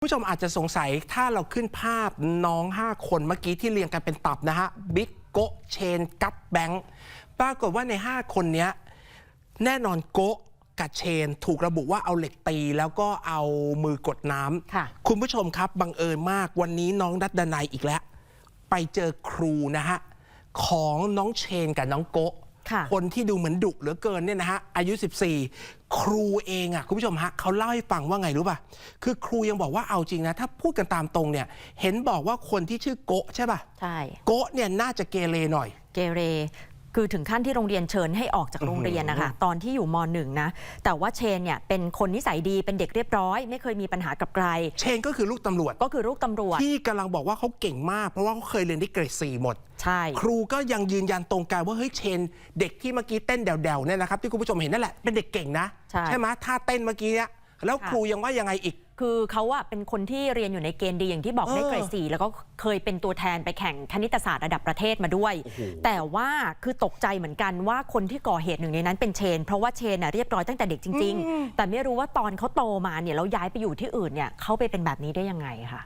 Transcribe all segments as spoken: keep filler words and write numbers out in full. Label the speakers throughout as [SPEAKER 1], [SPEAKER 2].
[SPEAKER 1] ผู้ชมอาจจะสงสัยถ้าเราขึ้นภาพน้องห้าคนเมื่อกี้ที่เรียงกันเป็นตับนะฮะบิ๊กโกเชนกัตแบงค์ปรากฏว่าในห้าคนนี้แน่นอนโกกับเชนถูกระบุว่าเอาเหล็กตีแล้วก็เอามือกดน้ำคุณผู้ชมครับบังเอิญมากวันนี้น้องดัดดนัยอีกแล้วไปเจอครูนะฮะของน้องเชนกับน้องโกคนที่ดูเหมือนดุเหลือเกินเนี่ยนะฮะอายุสิบสี่ครูเองอ่ะคุณผู้ชมฮะเขาเล่าให้ฟังว่าไงรู้ป่ะคือครูยังบอกว่าเอาจริงนะถ้าพูดกันตามตรงเนี่ยเห็นบอกว่าคนที่ชื่อโกใช่ป่ะใช่โกเนี่ยน่าจะเกเรหน่อย
[SPEAKER 2] เกเรคือถึงขั้นที่โรงเรียนเชิญให้ออกจากโรงเรียนนะคะตอนที่อยู่ม.หนึ่ง นะแต่ว่าเชนเนี่ยเป็นคนนิสัยดีเป็นเด็กเรียบร้อยไม่เคยมีปัญหากับใคร
[SPEAKER 1] เชนก็คือลูกตำรวจ
[SPEAKER 2] ก็คือลูกตำรวจ
[SPEAKER 1] ที่กำลังบอกว่าเขาเก่งมากเพราะว่าเขาเคยเรียนได้เกรดสี่หมด
[SPEAKER 2] ใช่
[SPEAKER 1] ครูก็ยังยืนยันตรงกันว่าเฮ้ยเชนเด็กที่เมื่อกี้เต้นเดี่ยวๆเนี่ยนะครับที่คุณผู้ชมเห็นนั่นแหละเป็นเด็กเก่งนะใช่ไหมท่าเต้นเมื่อกี้เนี่ยแล้วครูยังว่ายังไงอีก
[SPEAKER 2] คือเขาอะเป็นคนที่เรียนอยู่ในเกณฑ์ดีอย่างที่บอกได้เกรดสี่แล้วก็เคยเป็นตัวแทนไปแข่งคณิตศาสตร์ระดับประเทศมาด้วยแต่ว่าคือตกใจเหมือนกันว่าคนที่ก่อเหตุหนึ่งในนั้นเป็นเชนเพราะว่าเชนน่ะเรียบร้อยตั้งแต่เด็กจริงๆแต่ไม่รู้ว่าตอนเขาโตมาเนี่ยแล้วย้ายไปอยู่ที่อื่นเนี่ยเขาไปเป็นแบบนี้ได้ยังไงค่ะ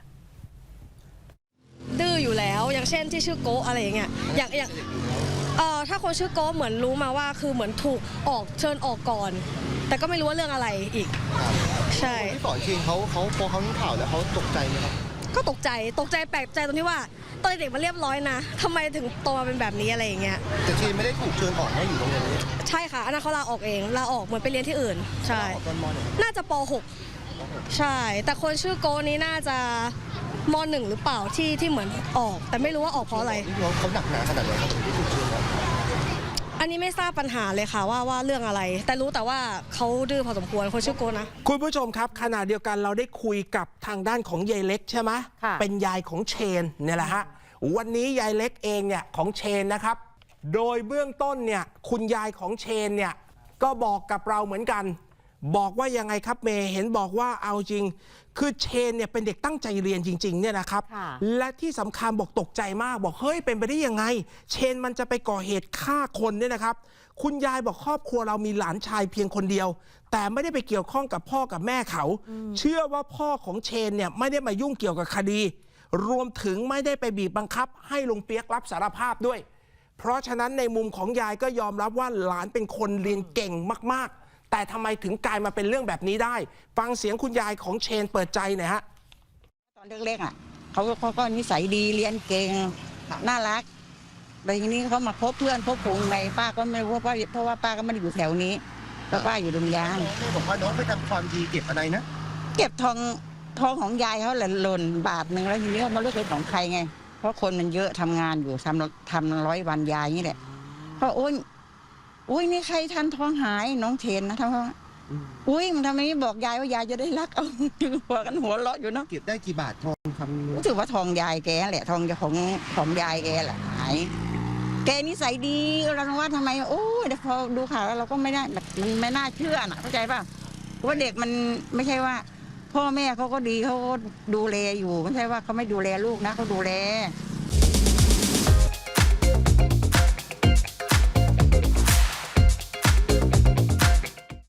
[SPEAKER 3] ดื้ออยู่แล้วอย่างเช่นที่ชื่อโกอะไรอย่างเงี้ยอย่างอย่างเอ่อถ้าคนชื่อโกเหมือนรู้มาว่าคือเหมือนถูกออกเชิญออกก่อนแต่ก็ไม่รู้ว่าเรื่องอะไรอีกใช่
[SPEAKER 4] ที่สอนเชนเขาเขาพอเขารู้ข่าวแล้วเขาตกใจไหมครับ
[SPEAKER 3] ก็ตกใจตกใจแปลกใจตรงที่ว่าตอนเด็กมันเรียบร้อยนะทำไมถึงโตมาเป็นแบบนี้อะไรอย่างเงี้ย
[SPEAKER 4] แต่เชนไม่ได้ถูกเชิญออกนะอยู่โรงเรียนนี้
[SPEAKER 3] ใช่ค่ะอันนั้นเขาลาออกเองลาออกเหมือนไปเรียนที่อื่นใช่น่าจะป.หกใช่แต่คนชื่อโกนี้น่าจะม.หนึ่งหรือเปล่าที่ที่เหมือนออกแต่ไม่รู้ว่าออกเพราะอะไร
[SPEAKER 4] เขาหนักหนาขนาดไหนครับที่ถูกเชิญออก
[SPEAKER 3] อันนี้ไม่ทราบปัญหาเลยค่ะว่าว่าเรื่องอะไรแต่รู้แต่ว่าเขาดื้อพอสมควรคนชื่อโกนะ
[SPEAKER 1] คุณผู้ชมครับขณะเดียวกันเราได้คุยกับทางด้านของยายเล็กใช่ไหมเป็นยายของเชนเนี่ยแหละฮะวันนี้ยายเล็กเองเนี่ยของเชนนะครับโดยเบื้องต้นเนี่ยคุณยายของเชนเนี่ยก็บอกกับเราเหมือนกันบอกว่ายังไงครับเมย์เห็นบอกว่าเอาจริงคือเชนเนี่ยเป็นเด็กตั้งใจเรียนจริงๆเนี่ยนะครับและที่สำคัญบอกตกใจมากบอกเฮ้ยเป็นไปได้ยังไงเชนมันจะไปก่อเหตุฆ่าคนเนี่ยนะครับคุณยายบอกครอบครัวเรามีหลานชายเพียงคนเดียวแต่ไม่ได้ไปเกี่ยวข้องกับพ่อกับแม่เขาเชื่อว่าพ่อของเชนเนี่ยไม่ได้มายุ่งเกี่ยวกับคดีรวมถึงไม่ได้ไปบีบบังคับให้ลุงเปียกรับสารภาพด้วยเพราะฉะนั้นในมุมของยายก็ยอมรับว่าหลานเป็นคนเรียนเก่งมากๆแต่ทำไมถึงกลายมาเป็นเรื่องแบบนี้ได้ฟังเสียงคุณยายของเชนเปิดใจหน่อยฮะ
[SPEAKER 5] ตอนเล็กๆอ่ะเขาเขาก็นิสัยดีเรียนเก่งน่ารักแต่ทีนี้เขามาพบเพื่อนพบฝูงในป้าก็ไม่รู้ว่าเพราะว่าป้าก็ไม่ได้อยู่แถวนี้ก็ป้าอยู่ดงยาง
[SPEAKER 4] บอกว่าน้องไปทำความดีเก็บอะไรนะ
[SPEAKER 5] เก็บทองทองของยายเขาหล่นบาทหนึ่งแล้วทีนี้เขาไม่รู้เป็นของใครไงเพราะคนมันเยอะทำงานอยู่ทำทำร้อยวันยายนี่แหละเพราะโอ้ยอุ้ยนี่ใครทันทองหายน้องเทนนะทำอุ้ยมันทำไมไม่บอกยายว่ายายจะได้รักเอาหัวกันหัวเราะอยู่เนาะ
[SPEAKER 4] เก็บได้กี่บาททองคำ
[SPEAKER 5] รู้สึกว่าทองยายแกแหละทองของของยายแกแหละหายแกนิสัยดีเราว่าทำไมโอ้ยแต่พอดูข่าวแล้วเราก็ไม่ได้มันไม่น่าเชื่อนะเข้าใจป่ะว่าเด็กมันไม่ใช่ว่าพ่อแม่เขาก็ดีเขาก็ดูแลอยู่ไม่ใช่ว่าเขาไม่ดูแลลูกนะเขาดูแล